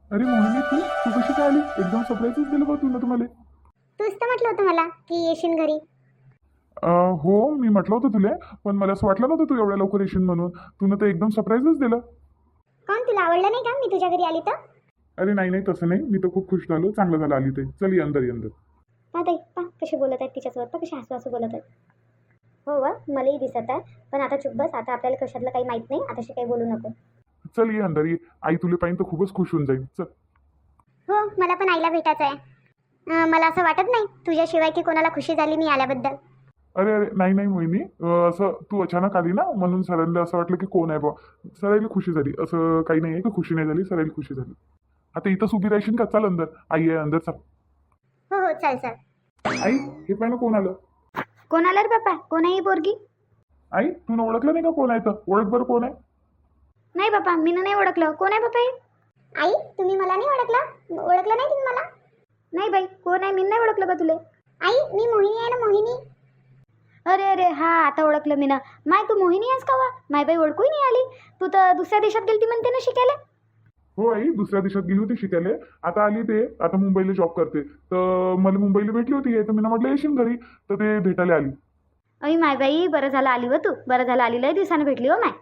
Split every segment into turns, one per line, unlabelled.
अरे मोहिनी, तू कशी काय आली? एकदम सरप्राईजच दिलं बा तू ना तुम्हाला.
तूच तर म्हटलं होतं मला की येशील घरी.
हो, मी म्हटलं होतं तुला, पण मला असं वाटलं नव्हतं तू एवढ्या लवकर येशील म्हणून. तू तर एकदम सरप्राईजच दिलं.
कोण तुला आवडलं नाही का मी तुझ्या घरी आली तर?
अरे नाही नाही, तसं नाही. मी तर खूप खुश झालो. चांगलं झालं आली ते. चल ये अंदर, ये अंदर.
पा ताई पा कसे बोलत आहेत तिच्यासोबत, पा कसे हसू हसू बोलत आहेत. हो वा मलाही दिसत आहे. पण आता चुप बस, आता आपल्याला कशातलं काही माहित नाही, आताशी काही बोलू नको.
चल ये अंदर, ये. आई तुला पाहिजे तर खूपच खुश होऊन जाईल. चल.
हो मला पण आईला भेटायचं आहे. मला असं वाटत नाही तुझ्याशिवाय की कोणाला खुशी झाली मी आल्याबद्दल.
अरे अरे, नाही नाही मोहिनी, असं तू अचानक आली ना, म्हणून सरांना असं वाटलं की कोण आहे बा. सरायला खुशी झाली. असं काही नाही आहे की खुशी नाही झाली. सरायला खुशी झाली. आता इथंच उभी राहशील का? चल अंदर. आई आहे अंदर, चल.
हो हो चल चल.
आई, हे पाहिजे कोण आलं.
कोण आलं रे बाप्पा, कोण आहे ही पोरगी?
आई, तू ओळखलं नाही का कोण आहे? तर ओळख बरं कोण आहे.
नाही बाप्पा, मी नाही ओळखलं. कोण आहे बाप्पा हे? आई तुम्ही मला नाही ओळखलं? ओळखलं नाही तुम्ही मला? नाही बाई, कोण आहे? मी नाही ओळखलं का तुले? आई मी मोहिनी आहे ना, मोहिनी. अरे अरे हा, आता ओळखलं मी ना. माय तू मोहिनी आहेस का वा? माय बाई ओळखूही नाही आली. तू तर दुसऱ्या देशात गेलती म्हणते ना शिकायला.
हो आई, दुसऱ्या देशात गेली होती शिकायला. आता आली ते. आता मुंबईला जॉब करते. तर मला मुंबईला भेटली होती. तर मी म्हटलं येशील घरी. तर ते भेटायला आली.
अई माय बाई, बरं झालं आली व तू. बरं झालं आली, लय दिवसानं भेटली हो माय.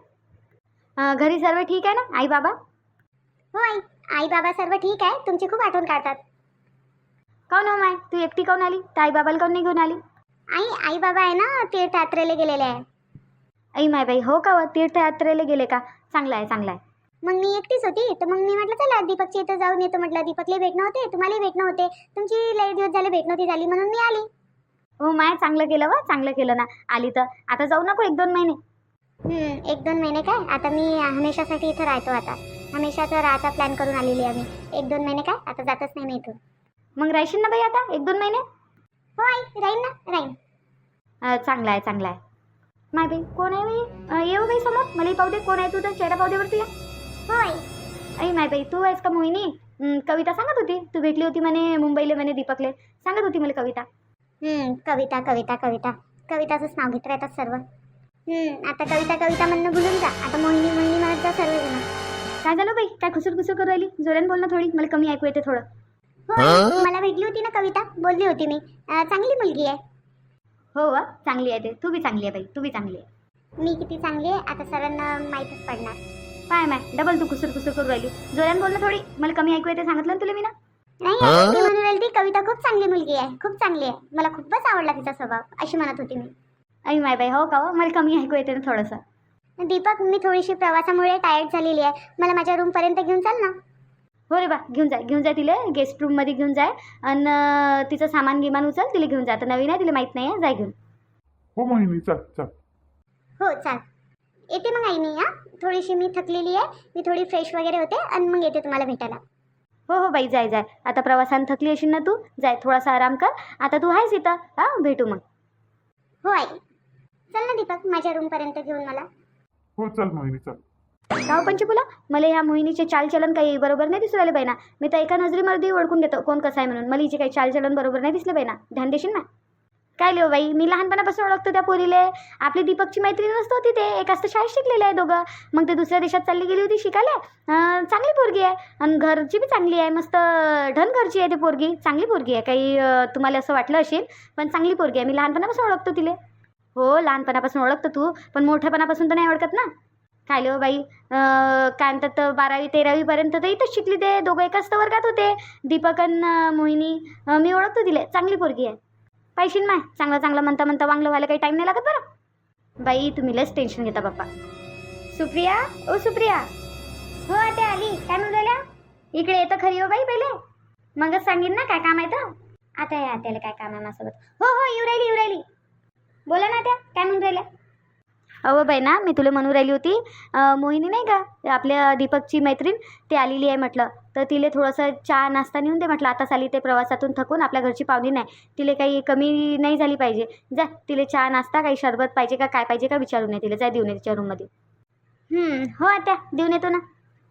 घरी सर्व ठीक आहे ना, आई बाबा? हो आई, आई बाबा सर्व ठीक आहे. तुमची खूप आठवण काढतात. काऊन हो माय, तू एकटी काऊन आली? तर आई बाबाला काऊन नाही घेऊन आली? आई आई बाबा आहे ना तीर्थयात्रेला गेलेले आहे. आई माय बाई, हो का व? तीर्थयात्रेला गेले का? चांगलं आहे चांगलं आहे. मग मी एकटीच होती, तर मग मी म्हटलं चला दीपकच्या इथं जाऊन येतो. म्हटलं दीपकला भेटणं होते, तुम्हालाही भेटणं होते. तुमची लई दिवस झाले भेट नव्हती झाली, म्हणून मी आली. हो माय, चांगलं केलं व, चांगलं केलं ना. आली तर आता जाऊ नको 1-2 महिने. 1-2 महिने काय, आता मी हमेशासाठी इथं राहतो. आता हमेशाचा राहायचा प्लॅन करून आलेली आहे मी. 1-2 महिने काय, आता जातच नाही मी इथून. मग राहशील ना बाई आता 1-2 महिने? हो आई राहीन ना, राहीन. चांगलं आहे चांगलं आहे. माय बाई कोण आहे बाई? येऊ बाई समोर, मलाही पाहू दे कोण आहे. तू तर चेहरा पाहू दे वरती. हो आई. आई माय बाई, तू आहेस का मोहिनी? कविता सांगत होती तू भेटली होती म्हणे मुंबईला, म्हणे दीपकले. सांगत होती मला कविता. कविता कविता कविता, कविताचंच नाव घेत राहतात सर्व. आता कविता कविता म्हणणं भुलून जा. आता मोहिनी मोहिनी म्हणत जा सर्वजण. काय झालं बाई, काय खुसूर खुसूर करू राहिली? जोराने बोल ना थोडी, मला कमी ऐकू येते थोडं. हो आई, मला भेटली होती ना कविता, बोलली होती मी. चांगली मुलगी आहे. हो वा, चांगली आहे ते. तू बी चांगली आहे बाई, तू बी चांगली आहे. मी किती चांगली आहे आता सरांना माहीतच पडणार. काय माय डबल तू खुसूर खुसूर करू राहिली. जोराने बोल ना थोडी, मला कमी ऐकू येते, सांगितलं ना तुला मी ना. नाही आई, मी म्हणून राहिली ती कविता खूप चांगली मुलगी आहे, खूप चांगली आहे. मला खूपच आवडला तिचा स्वभाव, अशी म्हणत होती मी. आई माय बाई, हो का हो? मला कमी ऐकू येते ना थोडंसं. दीपक, मी थोडीशी प्रवासामुळे टायर्ड झालेली आहे. मला माझ्या रूमपर्यंत घेऊन चाल ना. हो रे बा, घेऊन जाय तिला गेस्ट रूममध्ये घेऊन जाय. आणि तिचं सामान गिमान उचल, तिला घेऊन जा. आता नवीन आहे, तिला माहीत नाही आहे, जाय घेऊन.
हो मोहिनी, चल चल.
हो चाल. येते मग आई मी. थोडीशी मी थकलेली आहे, मी थोडी फ्रेश वगैरे होते आणि मग येते तुम्हाला भेटायला. हो हो बाई, जाय जाय. आता प्रवासानं थकली असेल ना तू, जाय थोडासा आराम कर. आता तू आहेस इथं, हां भेटू मग. हो आई. चल ना दीपक, माझ्या रूमपर्यंत घेऊन मला.
हो चल मोहिनी, चल.
गाव पंचकुला, मला ह्या मोहिनीचे चालचलन काही बरोबर नाही दिसू राहिले बाई ना. मी तर एका नजरेमध्ये ओळखून घेतो कोण कसं आहे म्हणून. मला हिचे काही चालचलन बरोबर नाही दिसले बाई ना. ध्यान देशील ना. काय लिहो बाई, मी लहानपणापासून ओळखतो त्या पोरीले. आपली दीपकची मैत्रीण नसतो ते एकाच तर शाळेत शिकलेले आहे दोघं. मग ते दुसऱ्या देशात चालली गेली होती शिकायला. चांगली पोरगी आहे आणि घरची बी चांगली आहे, मस्त ढन घरची आहे ती पोरगी. चांगली पोरगी आहे. काही तुम्हाला असं वाटलं असेल, पण चांगली पोरगी आहे. मी लहानपणापासून ओळखतो तिले. हो लहानपणापासून ओळखतो तू, पण मोठ्यापणापासून तर नाही ओळखत ना. काय लिहो बाई, काय म्हणतात 12वी-13वीपर्यंत तर इथंच शिकली. ते दोघं एकाच तर वर्गात होते, दीपक आणि मोहिनी. मी ओळखतो तिले, चांगली पोरगी आहे. पाहिशील माय, चांगलं चांगलं म्हणता म्हणता वांगलं व्हायला काही टाईम नाही लागत बरं. बाई तुम्ही लस टेन्शन घेता बाप्पा. सुप्रिया, ओ सुप्रिया. हो आता आली. काय म्हणून राहिल्या? इकडे येतं खरी हो बाई पहिले. मगच सांगेन ना काय काम आहे तर. आता या त्याला काय काम आहे माझ्यासोबत. हो हो येऊ राहिली. बोला ना त्या, काय म्हणून राहिल्या? अहो बाई ना, मी तुला म्हणून राहिली होती, मोहिनी नाही का आपल्या दीपकची मैत्रीण, ती आलेली आहे म्हटलं. तर तिला थोडंसं चहा नाश्ता नेऊन दे म्हटलं. आताच आली ते प्रवासातून थकून, आपल्या घरची पाहुणी नाही. तिला काही कमी नाही झाली पाहिजे. जा तिला चहा नाश्ता, काही शरबत पाहिजे का काय पाहिजे का विचारून ये तिला. जा देऊन ये तिच्या रूममध्ये. हो आता देऊन येतो ना.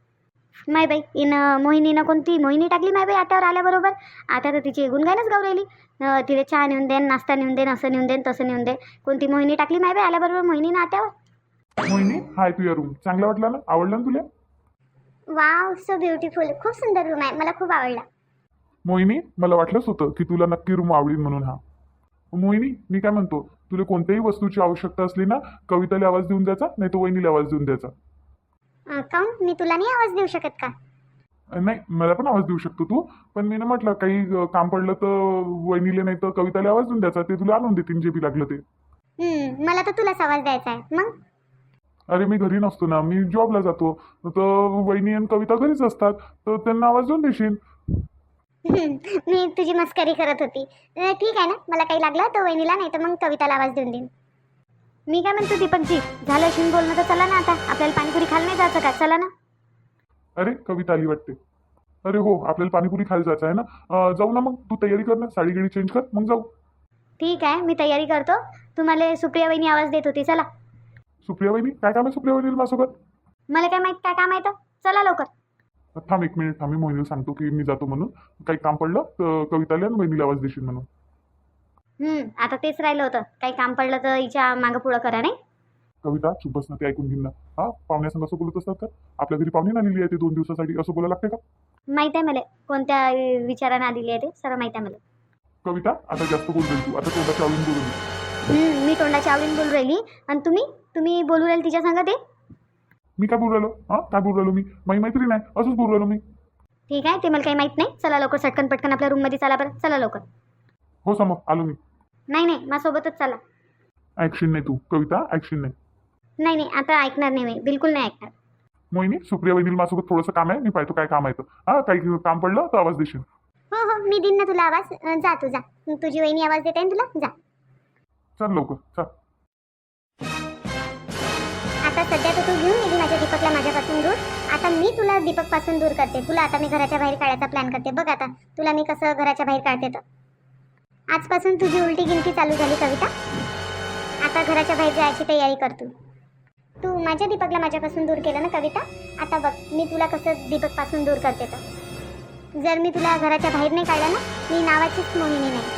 माय बाई मोहिनीनं कोणती मोहिनी टाकली माय बाई आट्यावर आल्याबरोबर. आता तर तिची गुणगानच गाऊ राहिली. तिला चहा नेऊन देन, नाश्ता नेऊन देन, असं नेऊन देन, तसं नेऊन दे. कोणती मोहिनी टाकली माय बाई आल्याबरोबर मोहिनीनं आट्यावर.
मोहिनी, हाय तुझ्या रूम चांगला वाटला ना? आवडला ना तुला?
Wow, so beautiful. खूप सुंदर रूम आहे, मला खूप आवडला.
मोहिनी, मला वाटलंच होतं की तुला नक्की रूम आवडेल म्हणून. हा मोहिनी, मी काय म्हणतो, तुला कोणत्याही वस्तूची आवश्यकता असली ना, कविताला आवाज देऊन द्यायचा, नाही तर वहिनीला आवाज देऊन द्यायचा.
काऊन, मी तुला नाही आवाज देऊ शकत का?
नाही, मला पण आवाज देऊ शकतो तू, पण मी ना म्हटलं काही काम पडलं तर वहिनीला नाही तर कविताला आवाज देऊन द्यायचा, ते तुला आणून देतील जे बी लागलं ते.
मला तर तुलाच आवाज द्यायचा आहे मग.
अरे मी घरी नसतो ना, मी जॉबला जातो, तर वहिनी आणि कविता घरीच असतात, तर त्यांना आवाज देऊन देशील.
मी तुझी मस्करी करत होती. ठीक आहे ना, मला काही लागलं तर वहिनीला नाही तर मग कविताला आवाज देऊन देईन. मी काय म्हणतो दीपकजी, झालं शिन बोलणं तर चला ना, आता आपल्याला पाणीपुरी खायला नाही जायचं का? चला ना.
अरे कविता आली वाटते. अरे हो, आपल्याला पाणीपुरी खायला जायचं आहे ना. जाऊ ना मग, तू तयारी कर ना, साडी गिडी चेंज कर, मग जाऊ.
ठीक आहे, मी तयारी करतो. तुम्हाला सुप्रिया वहिनी आवाज देत होती, चला.
सुप्रिया वहिनी, काय काम आहे सुप्रिया वहिनी माझ्यासोबत?
मला काय माहित काय काम आहे तर. चला लवकर.
थांब एक मिनिट, थांब, मी मोहिनीला सांगतो की मी जातो म्हणून. काही काम पडलं तर कविताला आणि वहिनीला आवाज देशील म्हणून.
आता तेच राहिलं होतं, काही काम पडलं तर हिच्या मागं पुढं करा, नाही.
कविता चुप बस ना, ते ऐकून घेईन ना. हा, पाहुण्यासंग असं बोलत असतात तर? आपल्या घरी पाहुणे आलेली आहे, ते 2 दिवसासाठी असं बोलायला लागते का?
माहित आहे मला कोणत्या विचारानं आलेली आहे ते, सर्व माहित आहे मला.
कविता, आता जास्त बोल राहील तू, आता तोंडाच्या आवडून बोलू नये.
मी तोंडाच्या आवडीने बोलू राहिली आणि तुम्ही बोलू राहिले तिच्या संग ते.
मी काय बोलू राहिलो? हा, काय बोलू राहिलो मी? माझी मैत्रीण आहे, असंच बोलू राहिलो मी.
ठीक आहे, ते मला काही माहित नाही. चला लवकर, सटकन पटकन आपल्या रूममध्ये चला बरं, चला लवकर.
हो समोर आलो मी.
नाही, माझ्यासोबतच चला.
ऍक्शन नाही तू कविता, ऍक्शन नाही.
नाही, आता ऐकणार नाही मी, बिलकुल नाही ऐकणार.
मोहिनी, सुप्रिया वहिनीला माझ्यासोबत थोडंसं काम आहे, मी पाहतो काय काम आहे तर. हा, काही काम पडलं तर आवाज देशील.
हो, मी देईन ना तुला आवाज. जा तू जा. तुझी वहिनी आवाज देते ना तुला, जा.
चल लवकर चल.
आता सध्या तर तू घेऊन गेली माझ्या दीपकला माझ्यापासून दूर. आता मी तुला दीपकपासून दूर करते. तुला आता मी घराच्या बाहेर काढायचा प्लॅन करते. बघ आता तुला मी कसं घराच्या बाहेर काढते तर. आजपासून तुझी उलटी गिनती चालू झाली कविता. आता घराच्या बाहेर जायची तयारी कर तू. तू माझ्या दीपकला माझ्यापासून दूर केलं ना कविता. आता बघ मी तुला कसं दीपकपासून दूर करते तर. जर मी तुला घराच्या बाहेर नाही काढलं ना, मी नावाचीच मोहिनी नाही.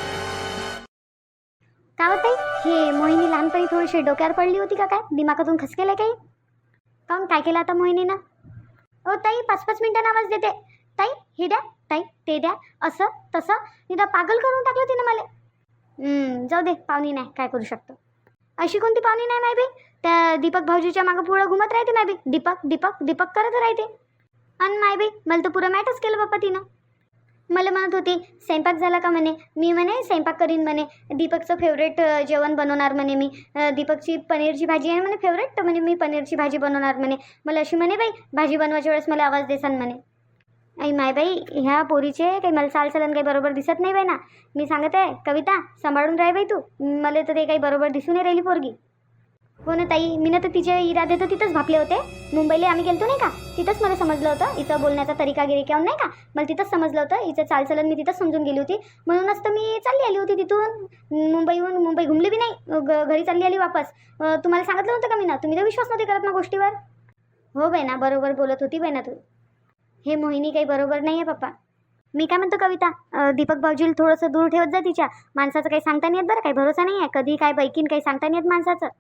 का होत हे मोहिनी लहानपणी थोडीशी डोक्यावर पडली होती का काय? दिमागातून खसकेलं काही? काऊन काय केलं आता मोहिनीनं? ओ ताई, 5-5 मिनिटांना आवाज देते. ताई हे द्या, ताई ते द्या, असं तसं निदा पागल करून टाकलं तिनं मला. जाऊ दे, पाहुणी नाही, काय करू शकतो. अशी कोणती पाहुणी नाही माय बी? त्या दीपक भाऊजीच्या मागं पुढं घुमत राहते माय बी. दीपक दीपक दीपक करत राहते. आणि माय बी मला तर पुरं मॅटच केलं बाप्पा तिनं. मला म्हणत होती स्वयंपाक झाला का म्हणे. मी म्हणे स्वयंपाक करीन म्हणे. दीपकचं फेवरेट जेवण बनवणार म्हणे मी. दीपकची पनीरची भाजी आहे म्हणे फेवरेट, तर म्हणे मी पनीरची भाजी बनवणार म्हणे. मला अशी म्हणे बाई भाजी बनवायच्या वेळेस मला आवाज देसान म्हणे. आई माय बाई, ह्या पोरीचे काही मला चालचलन काही बरोबर दिसत नाही बाई ना. मी सांगत आहे कविता, सांभाळून राह बाई तू. मला तर ते काही बरोबर दिसून नाही राहिली पोरगी. हो ना ताई, मी ना तर तिचे इरादे तर तिथंच भापले होते. मुंबईला आम्ही गेलतो नाही का, तिथंच मला समजलं होतं हिचं बोलण्याचा तरीका गिरिकाऊन नाही का. मला तिथंच समजलं होतं हिचं चालचलन मी तिथंच समजून गेली होती. म्हणूनच तर मी चालली आली होती तिथून. मुंबई घुमली बी नाही, घरी चालली आली वापस. तुम्हाला सांगितलं नव्हतं का मी ना? तुम्ही तर विश्वास नव्हते करत ना गोष्टीवर. हो बाई ना, बरोबर बोलत होती बाई ना तू. हे मोहिनी काही बरोबर नाही आहे पप्पा. मी काय म्हणतो कविता, दीपक भाऊजीला थोडंसं दूर ठेवत जा तिच्या. माणसाचं काही सांगता नाही येत बरं, काही भरोसा नाही आहे. कधी काय बैकीन काही सांगता नाही येत माणसाचं.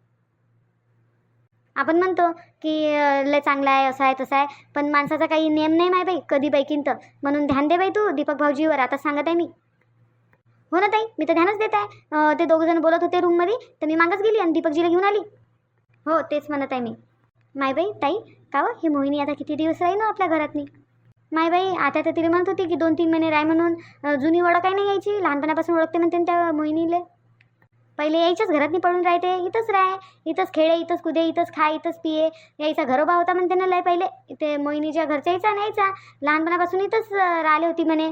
आपण म्हणतो की लय चांगला आहे, असं आहे तसं आहे, पण माणसाचा काही नियम नाही माय बाई, कधी बैकीन तर. म्हणून ध्यान दे बाई तू दीपक भाऊजीवर, आता सांगत आहे मी. हो ना ताई, मी तर ध्यानच देत आहे. ते दोघंजण बोलत होते रूममध्ये, तर मी मागच गेली आणि दीपकजीला घेऊन आली. हो तेच म्हणत आहे मी. माय बाई ताई, का हो ही मोहिनी आता किती दिवस राहील ना आपल्या घरातनी? माय बाई, आता तर तिला म्हणत होती की 2-3 महिने राय म्हणून. जुनी ओळख काही नाही यायची, लहानपणापासून ओळखते म्हणते त्या मोहिनीले. पहिले यायच्याच घरातनी पडून राहते, इथंच राह, इथंच खेळे, इथंच कुदे, इथंच खा, इथंच पिये. यायचा घरोबा होता म्हणते ना लय पहिले. ते मोहिनीच्या घरच्या यायचा लहानपणापासून इथंच राहिले होती म्हणे.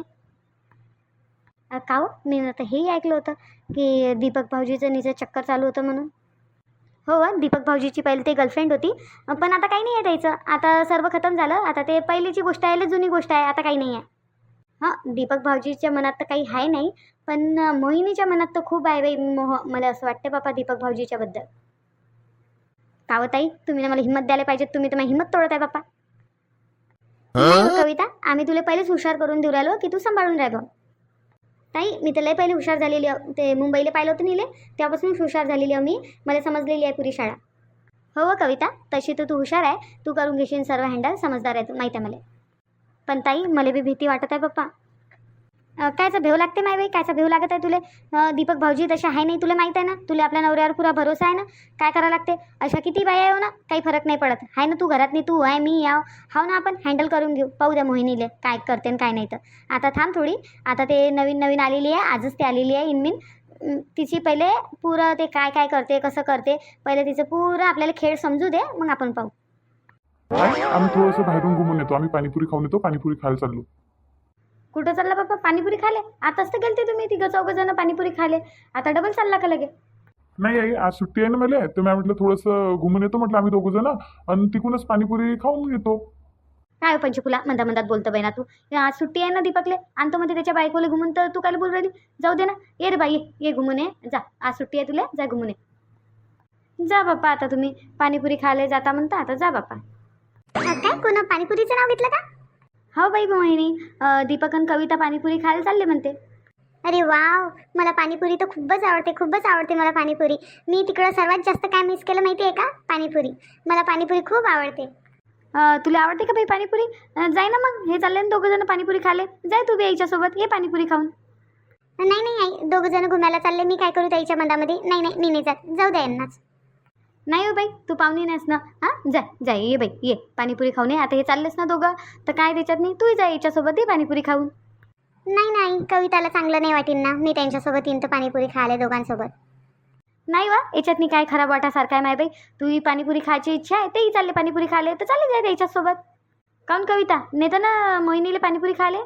का हो, मी आता हेही ऐकलं होतं की दीपक भाऊजीचं निचं चक्कर चालू होतं म्हणून. हो, दीपक भाऊजीची पहिले ते गर्लफ्रेंड होती, पण आता काही नाही आहे त्याचं. आता सर्व खतम झालं. आता ते पहिलीची गोष्ट आहे, लय जुनी गोष्ट आहे, आता काही नाही आहे. हां, दीपक भाऊजीच्या मनात तर काही आहे नाही, पण मोहिनीच्या मनात तर खूप आहे बाई मोह. मला असं वाटतं बापा दीपक भाऊजीच्याबद्दल. का हो ताई, तुम्ही ना मला हिंमत द्यायला पाहिजे. तुम्ही तर माझी हिंमत तोडत आहे बापा. कविता, आम्ही तुला पहिलेच हुशार करून देऊ राहिलो की तू सांभाळून राहिलो. ताई, मी तर लय पहिले हुशार झालेली आहे. ते मुंबईला पाहिलं होतं नेले तेव्हापासून हुशार झालेली आहे मी. मला समजलेली आहे पुरी शाळा. हो कविता, तशी तर तू हुशार आहे, तू करून घेशील सर्व हँडल, समजदार आहे तू, माहीत आहे मला. पण ताई मला बी भीती वाटत आहे पप्पा. कायचा भेव लागते माय बाई, कायचा भेव लागत आहे तुले? दीपक भाऊजी तसे आहे नाही, तुला माहीत आहे ना, तुला आपल्या नवऱ्यावर पुरा भरोसा आहे ना. काय करावं लागते, अशा किती बाया आहे ना, काही फरक नाही पडत आहे ना. तू घरातनी तू आहे, मी याव हाव ना, आपण हँडल करून घेऊ. पाहू द्या मोहिनीले काय करते आणि काय नाही. तर आता थांब थोडी, आता ते नवीन नवीन आलेली आहे, आजच ती आलेली आहे इनमिन. तिची पहिले पुरं ते काय काय करते, कसं करते, पहिले तिचं पुरं आपल्याला खेळ समजू दे, मग आपण पाहू.
आम्ही थोडंसं बाहेरून घुमून येतो, आम्ही पाणीपुरी खाऊन येतो, पाणीपुरी खायला चाललो.
कुठं चालला बाप्पा? पाणीपुरी खाले? आताच तर गेलते तुम्ही तिघं चौघं जण पाणीपुरी खाले, आता डबल चालला का लगे?
नाही आई, आज सुट्टी आहे ना मला, तर मी म्हटलं थोडंसं घुमून येतो, म्हटलं आम्ही दोघं जण, आणि तिकूनच पाणीपुरी खाऊन येतो.
काय हो पंचफुला, मंदा मंदात बोलतं बाई ना तू. आज सुट्टी आहे ना दीपकले, आणतो मध्ये त्याच्या बायकोला घुमून, तर तू काय बोल राहिली? जाऊ दे ना, ये रे बाई, ये घुमून ये, जा, आज सुट्टी आहे तुला, जा घुमून ये. जा बाप्पा, आता तुम्ही पाणीपुरी खायला जाता म्हणता, आता जा बाप्पा. काय कोण पाणीपुरीचं नाव घेतलं का? हो बाई मोहिनी, दीपक आणि कविता पाणीपुरी खायला चालले म्हणते. अरे वाव, मला पाणीपुरी तर खूपच आवडते, खूपच आवडते मला पाणीपुरी. मी तिकडं सर्वात जास्त काय मिस केलं माहिती आहे का? पाणीपुरी. मला पाणीपुरी खूप आवडते. तुला आवडते का बाई पाणीपुरी? जाय ना मग, हे चालले ना दोघं जण पाणीपुरी खाले, जाय तू बी याच्यासोबत, ये पाणीपुरी खाऊन. नाही नाही आई, दोघं जण घुमायला चालले, मी काय करू त्याच्या मधामध्ये? नाही नाही, मी नाही जात, जाऊ द्या यांनाच. नाही हो बाई, तू पाहुणी नाहीस ना. हां, जा जाय, ये बाई ये, पाणीपुरी खाऊन ये. आता हे चाललेस ना दोघं, तर काय त्याच्यात नाही, तूही जा याच्यासोबत, ये पाणीपुरी खाऊन. नाही नाही, कविताला चांगलं नाही वाटेल ना, मी त्यांच्यासोबत येईन तर पाणीपुरी खायला दोघांसोबत. नाही वा, याच्यात काय खराब वाटासारखं आहे माय बाई. तूही पाणीपुरी खायची इच्छा आहे, तेही चालले पाणीपुरी खायला, तर चालले जाय त्याच्यासोबत. काऊन कविता, नेतं ना मोहिनीला पाणीपुरी खायला?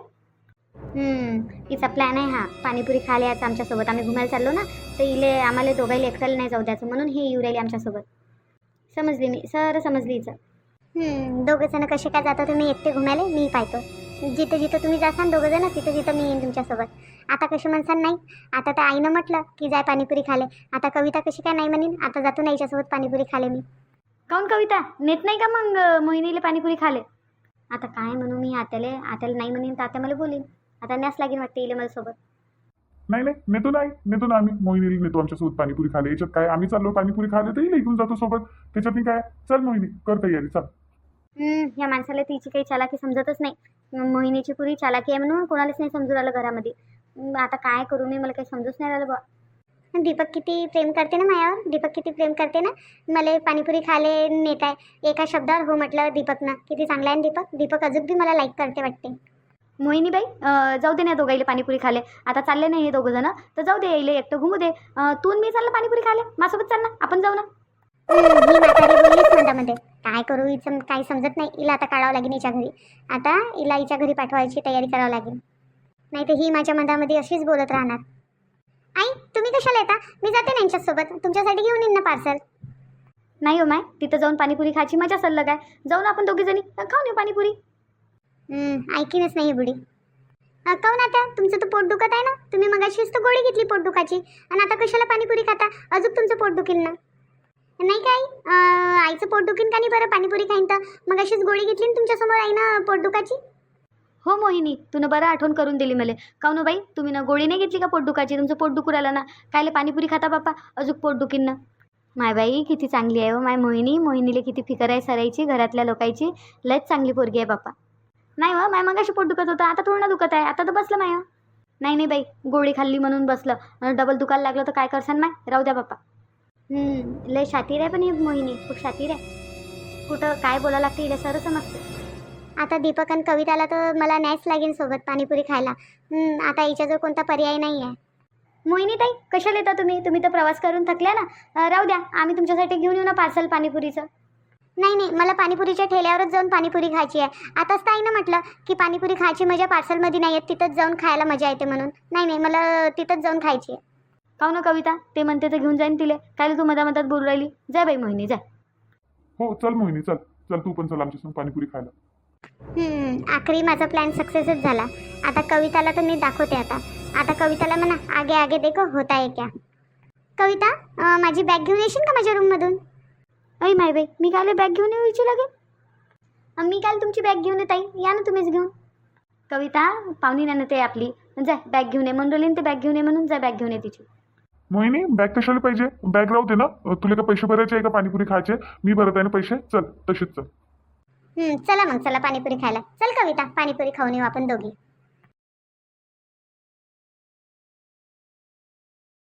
तिचा प्लॅन आहे हा, पाणीपुरी खायला यायचं आमच्यासोबत. आम्ही घुमायला चाललो ना, तर इले आम्हाला दोघायला एकट्याला नाही जाऊ द्यायचं, म्हणून हे येऊ राहिले आमच्यासोबत. समजली मी, सर समजली हिचं. दोघं जण कसे काय जाता तुम्ही एकटे घुमायला, मी पाहतो. जिथं जिथं तुम्ही जासान दोघं जण, तिथं तिथं मी येईन तुमच्यासोबत. आता कशी म्हणसान नाही, आता त्या आईनं म्हटलं की जाय पाणीपुरी खाले, आता कविता कशी काय नाही म्हणीन, आता जातो ना याच्यासोबत पाणीपुरी खाले मी. काऊन कविता, नेत नाही का मग मोहिनीला पाणीपुरी खाले? आता काय म्हणू मी आत्याला नाही म्हणीन तर आत्या मला बोलीन. आता न्यास लागेल वाटते इले मला सोबत.
नाही नाही, नेतो ना आम्ही, मोहिनीला नेतो आमच्यासोबत पाणीपुरी खायला. याच्यात काय, आम्ही चाललो पाणीपुरी खायला, तर घेऊन जातो सोबत, त्याच्यात काय. चल मोहिनी, कर तयारी, चल. या माणसाला तिची काही चालाकी समजतच नाही. मोहिनीची पुरी चालाकी आहे म्हणून कोणालाच नाही समजून राहिलं घरामध्ये. आता काय करू मी, मला काही समजूच नाही राहिलं बा. दीपक किती प्रेम करते ना माझ्यावर, दीपक किती प्रेम करते ना. मला पाणीपुरी खायला नेत आहे, एका शब्दावर हो म्हटलं दीपकनं. किती चांगला आहे दीपक. दीपक अजून बी मला लाईक करते वाटते. मोहिनी बाई, जाऊ दे ना दोघाईले पाणीपुरी खाले. आता चालले नाही हे दोघं जण, तर जाऊ दे, यायला एकटं घुमू दे. तू मी चाललं पाणीपुरी खाले, माझ्यासोबत चाल ना, आपण जाऊ ना. ही म्हातारी बोललीच म्हणतामध्ये, काय करू हिचं काही समजत नाही. हिला आता काढावं लागेल हिच्या घरी, आता हिला हिच्या घरी पाठवायची तयारी करावं लागेल, नाही तर ही माझ्या मधामध्ये अशीच बोलत राहणार. आई तुम्ही कशाला येता, मी जाते ना यांच्यासोबत, तुमच्यासाठी घेऊन येईन ना पार्सल. नाही हो माय, तिथं जाऊन पाणीपुरी खायची मजा सल्लग आहे. जाऊन आपण दोघी जणी खाऊन येऊ पाणीपुरी. ऐकीनच नाही बुडी. काऊन आता तुमचं तर पोट दुखत आहे ना, तुम्ही मगाशीच तर गोळी घेतली पोट दुखाची, आणि आता कशाला पाणीपुरी खाता? अजून तुमचं पोट दुखील ना. नाही काय आईचं पोट दुखीन का नाही बरं पाणीपुरी खाईन तर? मगाशीच गोळी घेतली ना तुमच्यासमोर आई ना पोट दुखाची. हो मोहिनी, तू बरं आठवण करून दिली मला. काऊन बाई, तुम्ही ना गोळी नाही घेतली का पोट दुखाची? तुमचं पोट दुखू राहिलं ना, कायले पाणीपुरी खाता बाप्पा, अजून पोट दुखीन ना. माय बाई किती चांगली आहे हो माय मोहिनी. मोहिनीला किती फिकर आहे सरायची, घरातल्या लोकांची. लयच चांगली पोरगी आहे बाप्पा. नाही हो माय, मगाशी पोट दुखत होतं, आता थोडं ना दुखत आहे, आता तर बसलं माय. नाही नाही बाई, गोळी खाल्ली म्हणून बसलं, डबल दुखायला लागलं तर काय करसान माय. राहू द्या बाप्पा. लय शातीर आहे पण ही मोहिनी, खूप शातीर आहे. कुठं काय बोलायला लागते हिला सर समजते. आता दीपक आणि कविताला तर मला न्यायच लागेल सोबत पाणीपुरी खायला. आता हिच्याजवळ कोणता पर्याय नाही आहे. मोहिनी ताई कशाला येता तुम्ही तर प्रवास करून थकल्या ना. राहू द्या, आम्ही तुमच्यासाठी घेऊन येऊ ना पार्सल पाणीपुरीचं. नाही नाही, मला पाणीपुरीच्या ठेल्यावरच जाऊन पाणीपुरी खायची आहे. आताच तर आईनं म्हटलं की पाणीपुरी खायची मजा पार्सलमध्ये नाही येत, तिथंच जाऊन खायला मजा येते म्हणून. नाही नाही, मला तिथंच जाऊन खायची आहे. काऊ ना कविता, ते म्हणते तर घेऊन जाईन तिले, काय तू मधामधात बोलू राहिली. जाय बाई मोहिनी जाय. हो चल मोहिनी, चल चल, तू पण चल आमच्यासोबत पाणीपुरी खायला.
आखरी माझा प्लॅन सक्सेसच झाला. आता कविताला तर मी दाखवते. आता कविताला म्हणा आगे आगे देखो होता है क्या. कविता, माझी बॅग घेऊन येशील का माझ्या रूममधून? अय माय बाई, मी काल बॅग घेऊन येऊ इच्छू लागेल. मी काल तुमची बॅग घेऊन येत आहे, या ना तुम्हीच घेऊन. कविता पाहुणी ना ते आपली, जाय बॅग घेऊन ये म्हणून राहिली, ते बॅग घेऊन ये म्हणून, जाय बॅग घेऊन ये तिची.
मोहिनी बॅग कशाला पाहिजे? बॅग राहू दे ना. तुला का पैसे भरायचे आहे का पाणीपुरी खायचे? मी भरत आहे ना पैसे. चल तसेच चल.
चला मग, चला पाणीपुरी खायला. चल कविता, पाणीपुरी खाऊन येऊ आपण दोघी.